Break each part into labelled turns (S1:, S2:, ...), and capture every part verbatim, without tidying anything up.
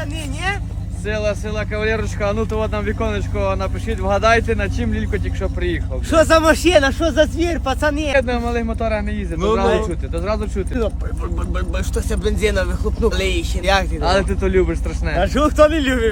S1: пацани, ні?
S2: Сила, сила, кавалерочка, а ну то от нам віконечко напишіть, вгадайте, на чим Лілько тільки що приїхав.
S1: Що за машина, що за звір, пацани?
S2: Я на малих моторах не їздить, то
S3: Ну,
S2: зразу
S3: ну.
S2: чути, то зразу чути.
S1: Що це бензина вихлопнув? Лейще, як ти?
S2: Але ти то любиш страшне.
S1: А що хто не любить?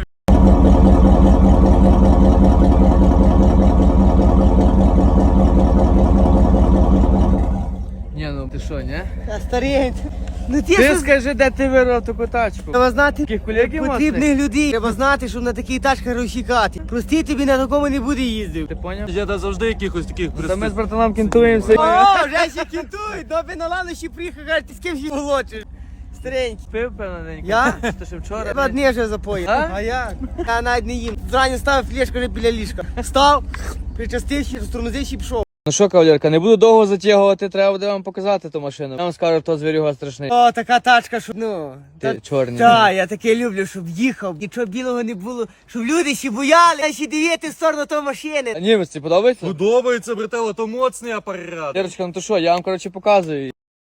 S2: Ні, ну ти що, ні?
S1: А старий, ну ти
S2: Ти
S1: що...
S2: скажи, де ти вирвав таку тачку?
S1: Треба знати
S2: Таких колегів
S1: потрібних людей. Треба знати, що на такій тачках розчікати. Прости, тобі на такому не буде їздив.
S2: Ти поняв?
S3: Я да завжди якихось таких
S2: Та ми з
S3: пристав.
S2: братаном кінтуємося.
S1: О, вже ще кінтують, доби на ланощі приїхав, каже, ти з ким ще волочиш? Старенький.
S2: Пив, певно, ненька?
S1: Я?
S2: Ти ще вчора?
S1: Два дні вже запоїв.
S2: А?
S1: А як? Я навіть не їм. Зрані ставив флешку вже біля ліжка. Став, причастився, розтормозився і пішов.
S2: Ну що, кавалерка, не буду довго затягувати, треба буде вам показати ту машину. Я вам скажу, хто звірюга страшний.
S1: О, така тачка, що, ну...
S2: Ти чорний.
S1: Так, я таке люблю, щоб їхав, нічого білого не було, щоб люди ще бояли, а ще дивити в сторону того машини.
S2: А німець, подобається?
S3: Подобається, брателло, то моцний апарат.
S2: Лерочка, ну то що, я вам, коротше, показую.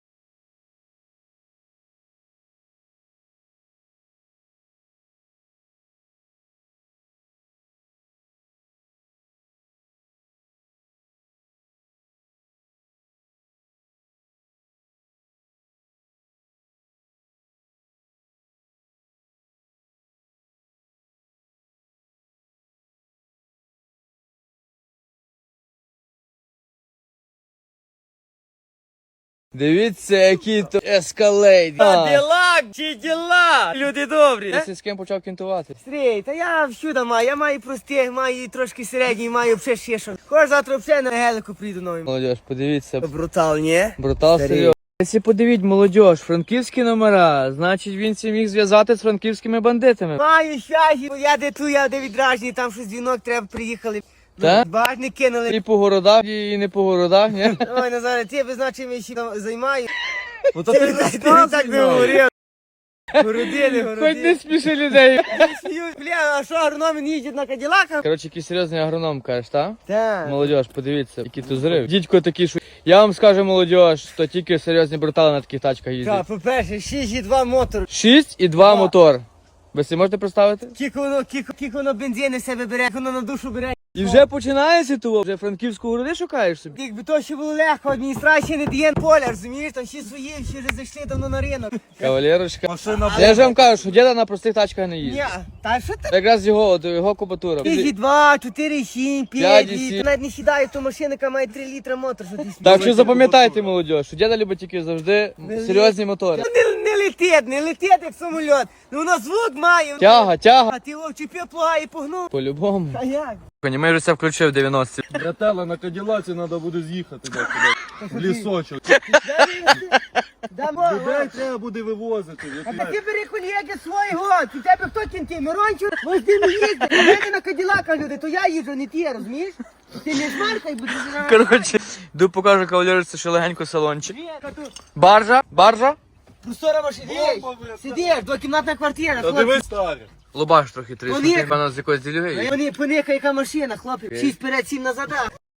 S2: Дивіться, який то ескалейт.
S1: А, діла, чи діла? Люди добрі.
S2: Ти з ким почав кінтувати?
S1: Стрій, та я всюди маю, я маю простих, маю і трошки середній, маю ще ще що. Кож завтра вже на гелику прийду новим.
S2: Молодіж, подивіться.
S1: Брутал, ні?
S2: Брутал
S1: Старий.
S2: серйозно. Якщо подивіть, молодіж, франківські номера, значить він ці міг зв'язати з франківськими бандитами.
S1: Маю щастя, я де ту, я де відражені, там щось дзвінок треба, приїхали.
S2: Та?
S1: Баж не кинули.
S2: І по городах, і не по городах, ні?
S1: Ой, Назаре, ти би значить ми ще там займаю.
S3: Ну то
S1: Ти
S3: ти
S1: би
S3: не
S1: так не говорив. Городили,
S2: Хоч не
S1: городили.
S2: спіши людей.
S1: Сміють, бля, а що агрономи не їздять на каділаках?
S2: Коротше, який серйозний агроном, кажеш, так?
S1: Так.
S2: Молодіж, подивіться, який тут зрив. Дідько такий, що... Я вам скажу, молодіж, то тільки серйозні брутали на таких тачках
S1: Так,
S2: їздять.
S1: по-перше, шість і два мотор.
S2: шість і два
S1: Два.
S2: мотор. Ви собі можете представити?
S1: Кілько воно, кілько, кілько воно бензини в себе бере, як воно на душу бере.
S2: І вже починається того, вже франківську городи шукаєш собі.
S1: Якби то ще було легко, адміністрація не дає поля, розумієш, там всі свої, всі вже зайшли давно на ринок.
S2: Кавалерочка.
S3: машина
S2: Я ж вам кажу, що діда на простих тачках не
S1: Ні,
S2: їздить.
S1: та що ти?
S2: Якраз його, от, його кубатура.
S1: Шість, два, чотири, сім,
S2: П'ять,
S1: п'ять,
S2: сім.
S1: навіть не сідає, то машина, яка має три літра мотор, що ти
S2: Так що запам'ятайте, молодь, що діда любить тільки завжди серйозні мотори.
S1: Не, не летить, не летить, як самоліт. Ну воно звук має.
S2: Тяга, тяга.
S1: А ти його вчепив плуга і погнув.
S2: По-любому.
S1: А як?
S2: Ми вже це включив в дев'яності.
S3: Брателло, на каділаці треба буде з'їхати десь в лісочок.
S1: Дамо,
S3: Людей треба буде вивозити.
S1: а так ти бери колеги свої год, у тебе хто кінти? Мирончук, ви з ним їздите, у мене на Каділака люди, то я їжджу, не ти, розумієш? Ти не шмаркай, будеш...
S2: Коротше, йду покажу кавалерці, що легенько салончик.
S1: Ні, та тут
S2: Баржа, баржа.
S1: простора машина,
S3: Бомба, бля,
S1: сидиш, двокімнатна квартира,
S3: Та
S1: хлопці.
S3: дивись, старі.
S2: Лобаш трохи трішки,
S1: Вони-
S2: певно, з якоїсь ділюги.
S1: Вони поника, яка машина, хлопці, шість вперед, сім назад.